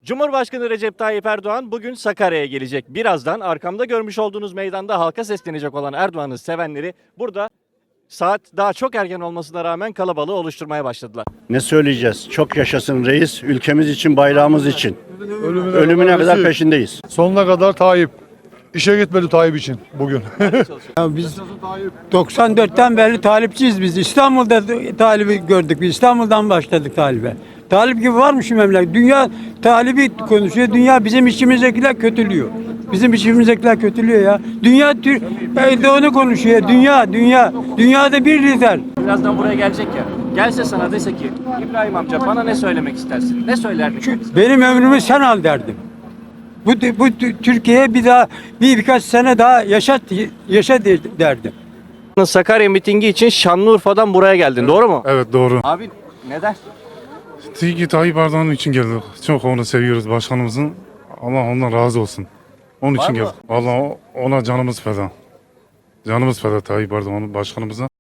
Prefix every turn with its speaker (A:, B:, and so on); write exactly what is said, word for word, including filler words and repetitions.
A: Cumhurbaşkanı Recep Tayyip Erdoğan bugün Sakarya'ya gelecek. Birazdan arkamda görmüş olduğunuz meydanda halka seslenecek olan Erdoğan'ın sevenleri burada saat daha çok erken olmasına rağmen kalabalığı oluşturmaya başladılar.
B: Ne söyleyeceğiz? Çok yaşasın reis. Ülkemiz için, bayrağımız için.
C: Ölümüne,
B: Ölümüne kadar
C: rezil.
B: peşindeyiz.
C: Sonuna kadar Tayyip. İşe gitmedi Tayyip için bugün.
D: Ya biz doksan dörtten beri talipçiyiz biz. İstanbul'da talibi gördük. Biz İstanbul'dan başladık talibe. Talip gibi var mı şu memleket? Dünya talibi konuşuyor. Dünya bizim içimizdekiler kötülüyor. Bizim içimizdekiler kötülüyor ya. Dünya Türk Erdoğan'ı konuşuyor. Dünya, dünya. Dünyada bir lider.
A: Birazdan buraya gelecek ya. Gelse sana dese ki İbrahim amca bana ne söylemek istersin? Ne söylerdin?
D: Şu- Benim ömrümü sen al derdim. Bu, bu Türkiye'ye bir daha bir birkaç sene daha yaşat yaşa derdim.
A: Sakarya mitingi için Şanlıurfa'dan buraya geldin. Doğru mu?
E: Evet doğru.
A: Abi neden?
E: Çünkü Tayyip Erdoğan için geldik. Çok onu seviyoruz başkanımızın. Allah ondan razı olsun. Onun
A: Var
E: için
A: mı?
E: geldik. Vallahi ona canımız feda. Canımız feda Tayyip Erdoğan başkanımıza.